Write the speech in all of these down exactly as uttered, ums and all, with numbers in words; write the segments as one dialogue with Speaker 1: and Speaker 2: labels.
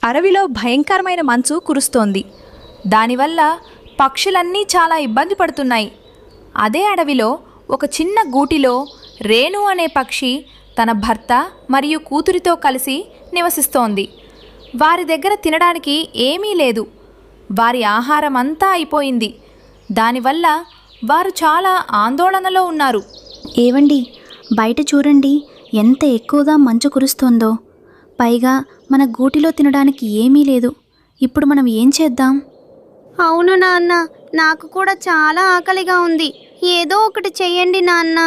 Speaker 1: అడవిలో భయంకరమైన మంచు కురుస్తోంది. దానివల్ల పక్షులన్నీ చాలా ఇబ్బంది పడుతున్నాయి. అదే అడవిలో ఒక చిన్న గూటిలో రేణు అనే పక్షి తన భర్త మరియు కూతురితో కలిసి నివసిస్తోంది. వారి దగ్గర తినడానికి ఏమీ లేదు. వారి ఆహారం అంతా అయిపోయింది. దానివల్ల వారు చాలా ఆందోళనలో ఉన్నారు.
Speaker 2: ఏవండి, బయట చూడండి ఎంత ఎక్కువగా మంచు కురుస్తోందో. పైగా మన గూటిలో తినడానికి ఏమీ లేదు. ఇప్పుడు మనం ఏం చేద్దాం?
Speaker 3: అవును నాన్న, నాకు కూడా చాలా ఆకలిగా ఉంది. ఏదో ఒకటి చెయ్యండి నాన్న.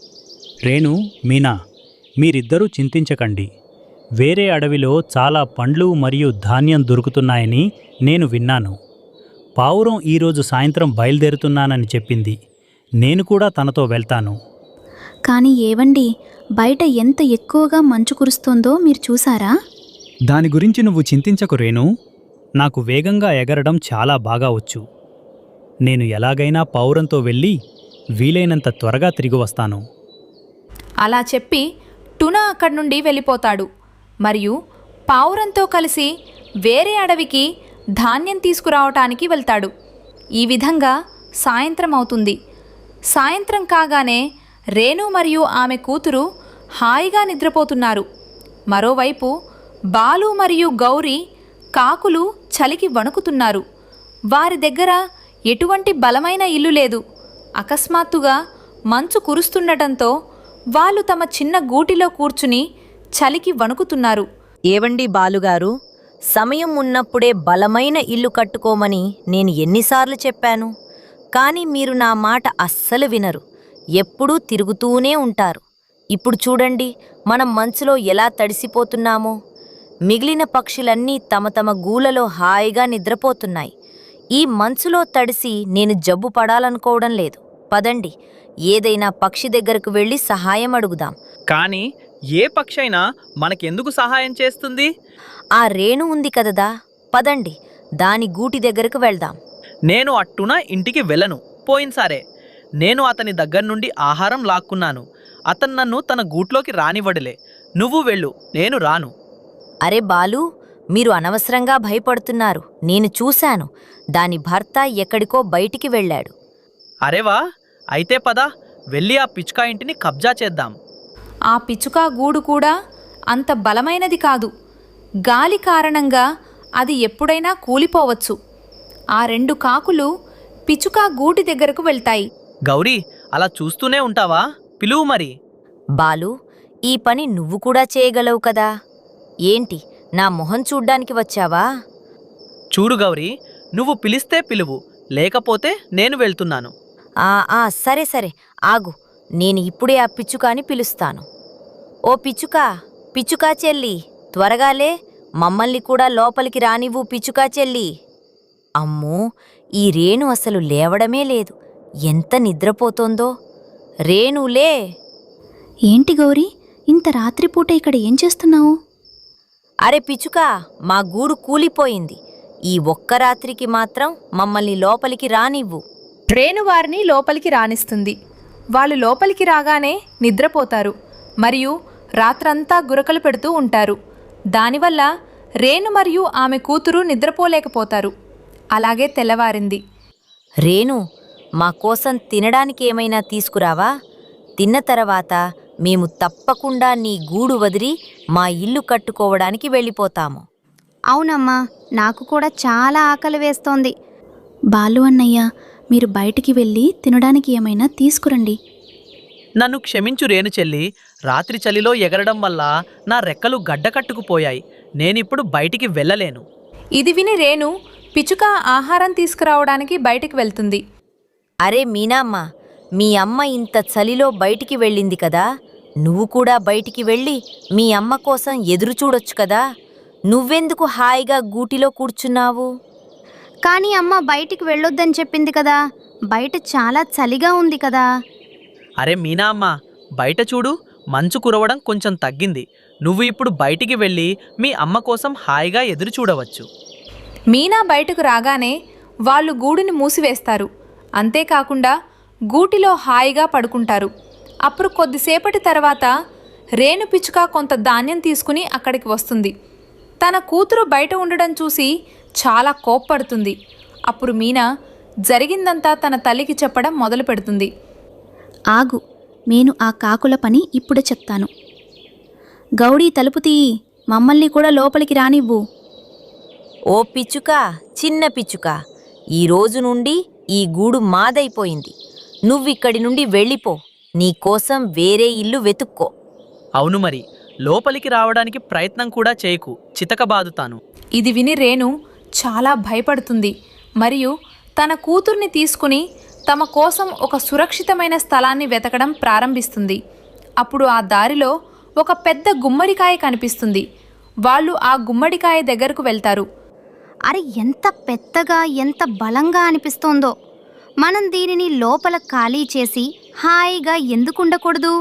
Speaker 4: రేణు, మీనా, మీరిద్దరూ చింతించకండి. వేరే అడవిలో చాలా పండ్లు మరియు ధాన్యం దొరుకుతున్నాయని నేను విన్నాను. పావురం ఈరోజు సాయంత్రం బయలుదేరుతున్నానని చెప్పింది. నేను కూడా తనతో వెళ్తాను.
Speaker 2: కానీ ఏవండి, బయట ఎంత ఎక్కువగా మంచు కురుస్తోందో మీరు చూసారా?
Speaker 4: దాని గురించి నువ్వు చింతించకు రేణు. నాకు వేగంగా ఎగరడం చాలా బాగా వచ్చు. నేను ఎలాగైనా పావురంతో వెళ్ళి వీలైనంత త్వరగా తిరిగి వస్తాను.
Speaker 1: అలా చెప్పి టునా అక్కడి నుండి వెళ్ళిపోతాడు మరియు పావురంతో కలిసి వేరే అడవికి ధాన్యం తీసుకురావటానికి వెళ్తాడు. ఈ విధంగా సాయంత్రం అవుతుంది. సాయంత్రం కాగానే రేణు మరియు ఆమె కూతురు హాయిగా నిద్రపోతున్నారు. మరోవైపు బాలు మరియు గౌరీ కాకులు చలికి వణుకుతున్నారు. వారి దగ్గర ఎటువంటి బలమైన ఇల్లు లేదు. అకస్మాత్తుగా మంచు కురుస్తుండటంతో వాళ్ళు తమ చిన్న గూటిలో కూర్చుని చలికి వణుకుతున్నారు.
Speaker 5: ఏవండి బాలుగారు, సమయం ఉన్నప్పుడే బలమైన ఇల్లు కట్టుకోమని నేను ఎన్నిసార్లు చెప్పాను. కానీ మీరు నా మాట అస్సలు వినరు. ఎప్పుడూ తిరుగుతూనే ఉంటారు. ఇప్పుడు చూడండి, మనం మంచులో ఎలా తడిసిపోతున్నామో. మిగిలిన పక్షులన్నీ తమ తమ గూలలో హాయిగా నిద్రపోతున్నాయి. ఈ మంచులో తడిసి నేను జబ్బు పడాలనుకోవడం లేదు. పదండి, ఏదైనా పక్షి దగ్గరకు వెళ్ళి సహాయం అడుగుదాం.
Speaker 6: కానీ ఏ పక్షి అయినా మనకెందుకు సహాయం చేస్తుంది?
Speaker 5: ఆ రేణు ఉంది కదదా, పదండి దాని గూటి దగ్గరకు వెళ్దాం.
Speaker 6: నేను అట్టున ఇంటికి వెళ్ళను. పోయినసారే నేను అతని దగ్గర నుండి ఆహారం లాక్కున్నాను. అతను నన్ను తన గూట్లోకి రానివ్వడలే. నువ్వు వెళ్ళు, నేను రాను.
Speaker 5: అరే బాలు, మీరు అనవసరంగా భయపడుతున్నారు. నేను చూశాను. దాని భర్త ఎక్కడికో బయటికి వెళ్ళాడు.
Speaker 6: అరేవా, అయితే పద, వెళ్ళి ఆ పిచ్చుక ఇంటిని కబ్జా చేద్దాం.
Speaker 1: ఆ పిచ్చుక గూడు కూడా అంత బలమైనది కాదు. గాలి కారణంగా అది ఎప్పుడైనా కూలిపోవచ్చు. ఆ రెండు కాకులు పిచ్చుక గూటి దగ్గరకు వెళ్తాయి.
Speaker 6: గౌరీ, అలా చూస్తూనే ఉంటావా? పిలువు మరి.
Speaker 5: బాలు, ఈ పని నువ్వు కూడా చేయగలవు కదా. ఏంటి, నా మొహం చూడ్డానికి వచ్చావా?
Speaker 6: చూడు గౌరీ, నువ్వు పిలిస్తే పిలువు, లేకపోతే నేను వెళ్తున్నాను.
Speaker 5: ఆ ఆ సరే సరే, ఆగు. నేను ఇప్పుడే ఆ పిచ్చుకాని పిలుస్తాను. ఓ పిచ్చుకా, పిచ్చుకా చెల్లి, త్వరగాలే, మమ్మల్ని కూడా లోపలికి రానివ్వు పిచ్చుకా చెల్లి. అమ్మో, ఈ రేణు అసలు లేవడమే లేదు. ఎంత నిద్రపోతోందో. రేణులే.
Speaker 2: ఏంటి గౌరీ, ఇంత రాత్రిపూట ఇక్కడ ఏం చేస్తున్నావు?
Speaker 5: అరే పిచ్చుకా, మా గూడు కూలిపోయింది. ఈ ఒక్క రాత్రికి మాత్రం మమ్మల్ని లోపలికి రానివ్వు.
Speaker 1: రేణు వారిని లోపలికి రానిస్తుంది. వాళ్ళు లోపలికి రాగానే నిద్రపోతారు మరియు రాత్రంతా గురకలు పెడుతూ ఉంటారు. దానివల్ల రేణు మరియు ఆమె కూతురు నిద్రపోలేకపోతారు. అలాగే తెల్లవారింది.
Speaker 5: రేణు, మా కోసం తినడానికి ఏమైనా తీసుకురావా? తిన్న తర్వాత మేము తప్పకుండా నీ గూడు వదిలి మా ఇల్లు కట్టుకోవడానికి వెళ్ళిపోతాము.
Speaker 3: అవునమ్మా, నాకు కూడా చాలా ఆకలి వేస్తోంది.
Speaker 2: బాలు అన్నయ్య, మీరు బయటికి వెళ్ళి తినడానికి ఏమైనా తీసుకురండి.
Speaker 6: నన్ను క్షమించు రేణు చెల్లి. రాత్రి చలిలో ఎగరడం వల్ల నా రెక్కలు గడ్డకట్టుకుపోయాయి. నేనిప్పుడు బయటికి వెళ్ళలేను.
Speaker 1: ఇది విని రేణు పిచ్చుక ఆహారం తీసుకురావడానికి బయటికి వెళ్తుంది.
Speaker 5: అరే మీనామ్మ, మీ అమ్మ ఇంత చలిలో బయటికి వెళ్ళింది కదా. నువ్వు కూడా బయటికి వెళ్ళి మీ అమ్మ కోసం ఎదురు చూడొచ్చు కదా. నువ్వెందుకు హాయిగా గూటిలో కూర్చున్నావు?
Speaker 3: కానీ అమ్మ బయటికి వెళ్ళొద్దని చెప్పింది కదా. బయట చాలా చలిగా ఉంది కదా.
Speaker 6: అరే మీనా అమ్మ, బయట చూడు, మంచు కురవడం కొంచెం తగ్గింది. నువ్వు ఇప్పుడు బయటికి వెళ్ళి మీ అమ్మ కోసం హాయిగా ఎదురు చూడవచ్చు.
Speaker 1: మీనా బయటకు రాగానే వాళ్ళు గూడుని మూసివేస్తారు. అంతేకాకుండా గూటిలో హాయిగా పడుకుంటారు. అప్పుడు కొద్దిసేపటి తర్వాత రేణు పిచ్చుక కొంత ధాన్యం తీసుకుని అక్కడికి వస్తుంది. తన కూతురు బయట ఉండడం చూసి చాలా కోప్పడుతుంది. అప్పుడు మీనా జరిగిందంతా తన తల్లికి చెప్పడం మొదలు పెడుతుంది.
Speaker 2: ఆగు, నేను ఆ కాకుల పని ఇప్పుడే చెప్తాను. గౌడీ, తలుపు తీయి, మమ్మల్ని కూడా లోపలికి రానివ్వు.
Speaker 5: ఓ పిచ్చుక, చిన్న పిచ్చుక, ఈ రోజు నుండి ఈ గూడు మాదైపోయింది. నువ్విక్కడి నుండి వెళ్ళిపో. నీకోసం వేరే ఇల్లు వెతుక్కో.
Speaker 6: అవును మరి, లోపలికి రావడానికి ప్రయత్నం కూడా చేయకు, చితకబాదుతాను.
Speaker 1: ఇది విని రేణు చాలా భయపడుతుంది మరియు తన కూతుర్ని తీసుకుని తమ కోసం ఒక సురక్షితమైన స్థలాన్ని వెతకడం ప్రారంభిస్తుంది. అప్పుడు ఆ దారిలో ఒక పెద్ద గుమ్మడికాయ కనిపిస్తుంది. వాళ్ళు ఆ గుమ్మడికాయ దగ్గరకు వెళ్తారు.
Speaker 3: అరే, ఎంత పెద్దగా ఎంత బలంగా అనిపిస్తోందో. మనం దీనిని లోపల ఖాళీ చేసి హాయిగా ఎందుకు ఉండకూడదు?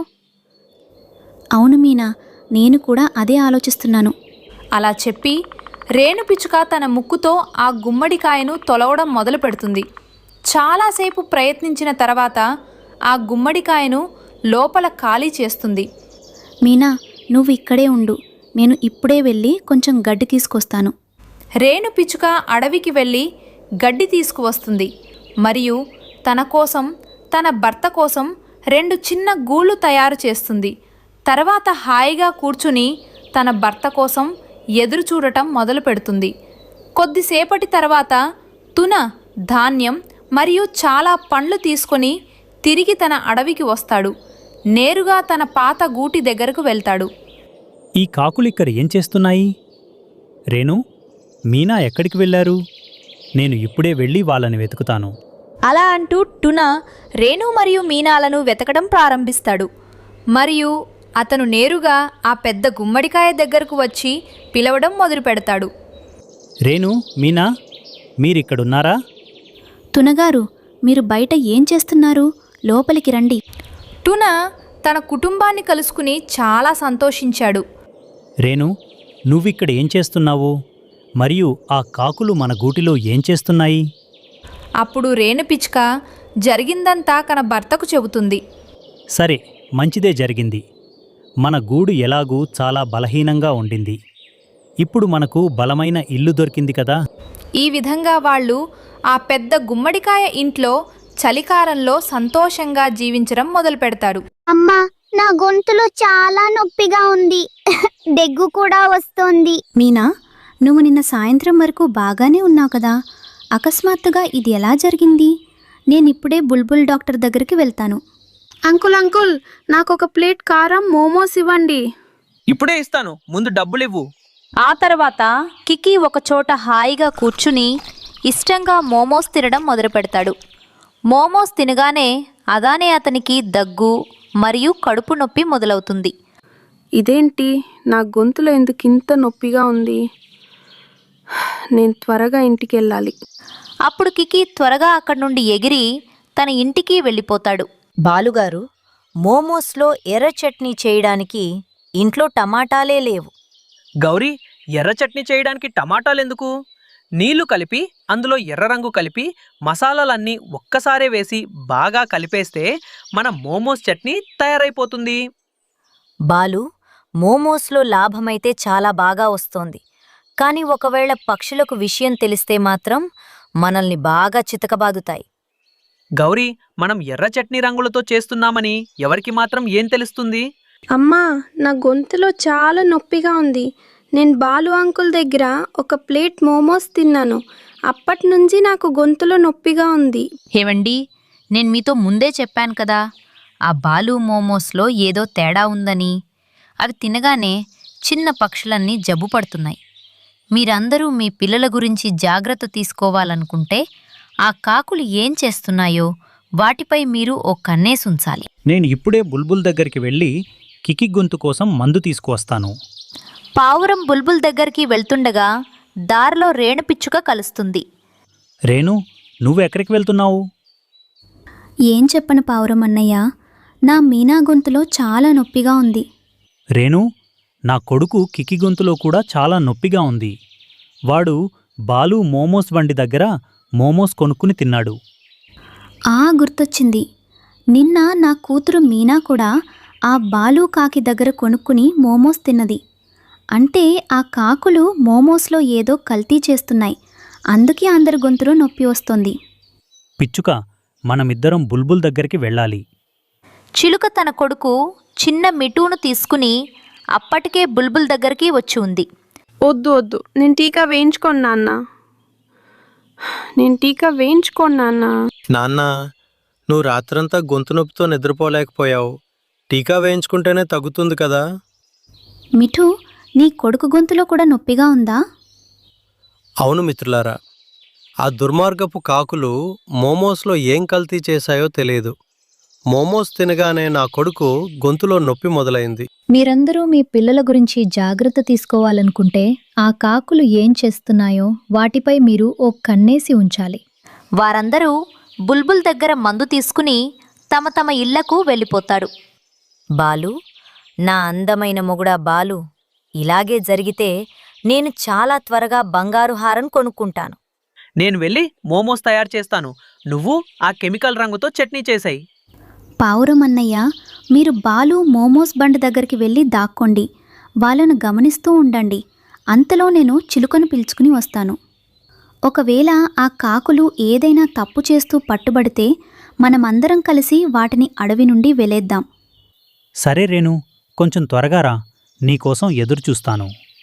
Speaker 2: అవును మీనా, నేను కూడా అదే ఆలోచిస్తున్నాను.
Speaker 1: అలా చెప్పి రేణు పిచ్చుక తన ముక్కుతో ఆ గుమ్మడికాయను తొలవడం మొదలు పెడుతుంది. చాలాసేపు ప్రయత్నించిన తర్వాత ఆ గుమ్మడికాయను లోపల ఖాళీ చేస్తుంది.
Speaker 2: మీనా, నువ్వు ఇక్కడే ఉండు, నేను ఇప్పుడే వెళ్ళి కొంచెం గడ్డి తీసుకొస్తాను.
Speaker 1: రేణు పిచ్చుక అడవికి వెళ్ళి గడ్డి తీసుకువస్తుంది మరియు తన కోసం తన భర్త కోసం రెండు చిన్న గూళ్ళు తయారు చేస్తుంది. తర్వాత హాయిగా కూర్చుని తన భర్త కోసం ఎదురు చూడటం మొదలు పెడుతుంది. కొద్దిసేపటి తర్వాత తున ధాన్యం మరియు చాలా పండ్లు తీసుకొని తిరిగి తన అడవికి వస్తాడు. నేరుగా తన పాత గూటి దగ్గరకు వెళ్తాడు.
Speaker 4: ఈ కాకులిక్కడ ఏం చేస్తున్నాయి? రేణు, మీనా ఎక్కడికి వెళ్ళారు? నేను ఇప్పుడే వెళ్ళి వాళ్ళని వెతుకుతాను.
Speaker 1: అలా అంటూ టున రేణు మరియు మీనాలను వెతకడం ప్రారంభిస్తాడు. మరియు అతను నేరుగా ఆ పెద్ద గుమ్మడికాయ దగ్గరకు వచ్చి పిలవడం మొదలు పెడతాడు.
Speaker 4: రేణు, మీనా, మీరిక్కడున్నారా?
Speaker 2: తునగారు, మీరు బయట ఏం చేస్తున్నారు? లోపలికి రండి.
Speaker 1: టున తన కుటుంబాన్ని కలుసుకుని చాలా సంతోషించాడు.
Speaker 4: రేణు, నువ్విక్కడ ఏం చేస్తున్నావు? మరియు ఆ కాకులు మన గూటిలో ఏం చేస్తున్నాయి?
Speaker 1: అప్పుడు రేణు పిచ్చుక జరిగిందంతా తన భర్తకు చెబుతుంది.
Speaker 4: సరే, మంచిదే జరిగింది. మన గూడు ఎలాగూ చాలా బలహీనంగా ఉండింది. ఇప్పుడు మనకు బలమైన ఇల్లు దొరికింది కదా.
Speaker 1: ఈ విధంగా వాళ్ళు ఆ పెద్ద గుమ్మడికాయ ఇంట్లో చలికాలంలో సంతోషంగా జీవించడం మొదలు పెడతారు.
Speaker 3: అమ్మా, నా గొంతులో చాలా నొప్పిగా ఉంది. దగ్గు కూడా వస్తోంది.
Speaker 2: మీనా, నువ్వు నిన్న సాయంత్రం వరకు బాగానే ఉన్నావు కదా, అకస్మాత్తుగా ఇది ఎలా జరిగింది? నేనిప్పుడే బుల్బుల్ డాక్టర్ దగ్గరికి వెళ్తాను.
Speaker 7: అంకుల్ అంకుల్ నాకు ఒక ప్లేట్ కారం మోమోస్ ఇవ్వండి.
Speaker 6: ఇప్పుడే ఇస్తాను, ముందు డబ్బులివ్వు.
Speaker 1: ఆ తర్వాత కికీ ఒకచోట హాయిగా కూర్చుని ఇష్టంగా మోమోస్ తినడం మొదలు పెడతాడు. మోమోస్ తినగానే అదానే అతనికి దగ్గు మరియు కడుపు నొప్పి మొదలవుతుంది.
Speaker 7: ఇదేంటి, నా గొంతులో ఎందుకు ఇంత నొప్పిగా ఉంది? నేను త్వరగా ఇంటికి వెళ్ళాలి.
Speaker 1: అప్పుడు కికీ త్వరగా అక్కడి నుండి ఎగిరి తన ఇంటికి వెళ్ళిపోతాడు.
Speaker 5: బాలుగారు, మోమోస్లో ఎర్ర చట్నీ చేయడానికి ఇంట్లో టమాటాలే లేవు.
Speaker 6: గౌరీ, ఎర్ర చట్నీ చేయడానికి టమాటాలెందుకు? నీళ్లు కలిపి అందులో ఎర్ర రంగు కలిపి మసాలాలన్నీ ఒక్కసారే వేసి బాగా కలిపేస్తే మన మోమోస్ చట్నీ తయారైపోతుంది.
Speaker 5: బాలు, మోమోస్లో లాభమైతే చాలా బాగా వస్తోంది. కానీ ఒకవేళ పక్షులకు విషయం తెలిస్తే మాత్రం మనల్ని బాగా చితకబాదుతాయి.
Speaker 6: గౌరీ, మనం ఎర్ర చట్నీ రంగులతో చేస్తున్నామని ఎవరికి మాత్రం ఏం తెలుస్తుంది?
Speaker 7: అమ్మా, నా గొంతులో చాలా నొప్పిగా ఉంది. నేను బాలు అంకుల్ దగ్గర ఒక ప్లేట్ మోమోస్ తిన్నాను. అప్పటి నుంచి నాకు గొంతులో నొప్పిగా ఉంది.
Speaker 8: ఏవండి, నేను మీతో ముందే చెప్పాను కదా, ఆ బాలు మోమోస్లో ఏదో తేడా ఉందని. అవి తినగానే చిన్న పక్షులన్నీ జబ్బు పడుతున్నాయి. మీరందరూ మీ పిల్లల గురించి జాగ్రత్త తీసుకోవాలనుకుంటే ఆ కాకులు ఏం చేస్తున్నాయో వాటిపై మీరు ఓ కన్నేసుంచాలి.
Speaker 4: నేను ఇప్పుడే బుల్బుల్ దగ్గరికి వెళ్ళి కికి గొంతు కోసం మందు తీసుకువస్తాను.
Speaker 1: పావురం బుల్బుల్ దగ్గరికి వెళ్తుండగా దారిలో రేణు పిచ్చుక కలుస్తుంది.
Speaker 4: రేణు, నువ్వెక్కడికి వెళ్తున్నావు?
Speaker 2: ఏం చెప్పను పావురం అన్నయ్య, నా మీనా గొంతులో చాలా నొప్పిగా ఉంది.
Speaker 4: రేణు, నా కొడుకు కికి గొంతులో కూడా చాలా నొప్పిగా ఉంది. వాడు బాలు మోమోస్ బండి దగ్గర మోమోస్ కొనుక్కుని తిన్నాడు.
Speaker 2: ఆ గుర్తొచ్చింది, నిన్న నా కూతురు మీనా కూడా ఆ బాలు కాకి దగ్గర కొనుక్కుని మోమోస్ తిన్నది. అంటే ఆ కాకులు మోమోస్లో ఏదో కల్తీ చేస్తున్నాయి, అందుకే అందరి గొంతులో నొప్పి వస్తుంది.
Speaker 4: పిచ్చుక, మనమిద్దరం బుల్బుల్ దగ్గరికి వెళ్ళాలి.
Speaker 8: చిలుక తన కొడుకు చిన్న మిఠూను తీసుకుని అప్పటికే బుల్బుల్ దగ్గరికి వచ్చి ఉంది.
Speaker 7: వద్దు వద్దు, నేను టీకా వేయించుకోను నాన్న. నేను టీకా వేయించుకోను నాన్న.
Speaker 9: నాన్న, నువ్వు రాత్రంతా గొంతు నొప్పితో నిద్రపోలేకపోయావు. టీకా వేయించుకుంటేనే తగ్గుతుంది కదా.
Speaker 2: మిఠు, నీ కొడుకు గొంతులో కూడా నొప్పిగా ఉందా?
Speaker 9: అవును మిత్రులారా, ఆ దుర్మార్గపు కాకులు మోమోస్లో ఏం కల్తీ చేశాయో తెలియదు. మోమోస్ తినగానే నా కొడుకు గొంతులో నొప్పి మొదలైంది.
Speaker 10: మీరందరూ మీ పిల్లల గురించి జాగ్రత్త తీసుకోవాలనుకుంటే ఆ కాకులు ఏం చేస్తున్నాయో వాటిపై మీరు ఓ కన్నేసి ఉంచాలి.
Speaker 8: వారందరూ బుల్బుల్ దగ్గర మందు తీసుకుని తమ తమ ఇళ్లకు వెళ్ళిపోతారు.
Speaker 5: బాలు, నా అందమైన మొగుడా బాలు, ఇలాగే జరిగితే నేను చాలా త్వరగా బంగారు హారం కొనుక్కుంటాను.
Speaker 6: నేను వెళ్ళి మోమోస్ తయారు చేస్తాను, నువ్వు ఆ కెమికల్ రంగుతో చట్నీ చేసాయి.
Speaker 2: పావురం అన్నయ్య, మీరు బాలు మోమోస్ బండి దగ్గరికి వెళ్ళి దాక్కోండి. వాళ్ళను గమనిస్తూ ఉండండి. అంతలో నేను చిలుకను పిలుచుకుని వస్తాను. ఒకవేళ ఆ కాకులు ఏదైనా తప్పు చేస్తూ పట్టుబడితే మనమందరం కలిసి వాటిని అడవి నుండి వెలేద్దాం.
Speaker 4: సరే రేణు, కొంచెం త్వరగా రా, నీకోసం ఎదురుచూస్తాను.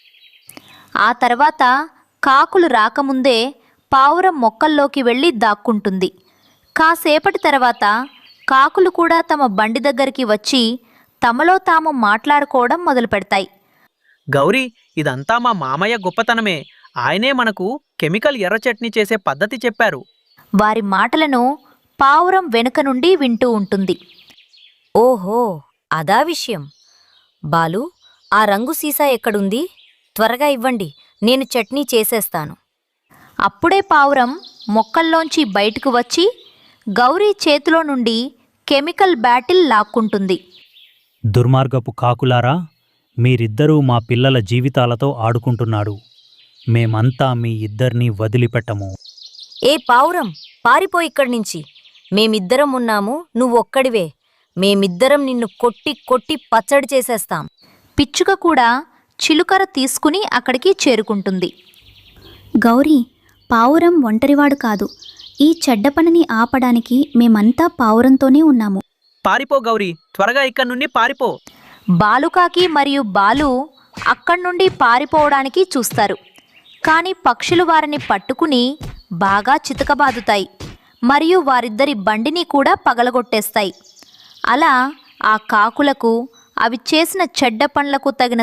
Speaker 8: ఆ తర్వాత కాకులు రాకముందే పావురం మొక్కల్లోకి వెళ్ళి దాక్కుంటుంది. కాసేపటి తర్వాత కాకులు కూడా తమ బండి దగ్గరికి వచ్చి తమలో తాము మాట్లాడుకోవడం మొదలు పెడతాయి.
Speaker 6: గౌరీ, ఇదంతా మా మామయ్య గొప్పతనమే. ఆయనే మనకు కెమికల్ ఎర్ర చట్నీ చేసే పద్ధతి చెప్పారు.
Speaker 8: వారి మాటలను పావురం వెనుక నుండి వింటూ ఉంటుంది.
Speaker 5: ఓహో, అదా విషయం. బాలు, ఆ రంగు సీసా ఎక్కడుంది? త్వరగా ఇవ్వండి, నేను చట్నీ చేసేస్తాను.
Speaker 8: అప్పుడే పావురం మొక్కల్లోంచి బయటకు వచ్చి గౌరీ చేతిలో నుండి కెమికల్ బ్యాటిల్ లాక్కుంటుంది.
Speaker 4: దుర్మార్గపు కాకులారా, మీరిద్దరూ మా పిల్లల జీవితాలతో ఆడుకుంటున్నాడు. మేమంతా మీ ఇద్దరినీ వదిలిపెట్టము.
Speaker 5: ఏ పావురం, పారిపో ఇక్కడి నుంచి. మేమిద్దరం ఉన్నాము, నువ్వొక్కడివే. మేమిద్దరం నిన్ను కొట్టి కొట్టి పచ్చడి చేసేస్తాం.
Speaker 8: పిచ్చుక కూడా చిలుకర తీసుకుని అక్కడికి చేరుకుంటుంది.
Speaker 2: గౌరీ, పావురం ఒంటరివాడు కాదు. ఈ చెడ్డ పనిని ఆపడానికి మేమంతా పావురంతోనే ఉన్నాము.
Speaker 6: పారిపో గౌరీ, త్వరగా ఇక్కడి నుండి పారిపో.
Speaker 8: బాలుకాకి మరియు బాలు అక్కడ్నుండి పారిపోవడానికి చూస్తారు. కానీ పక్షులు వారిని పట్టుకుని బాగా చితకబాదుతాయి మరియు వారిద్దరి బండిని కూడా పగలగొట్టేస్తాయి. అలా ఆ కాకులకు అవి చేసిన చెడ్డ పనులకు తగిన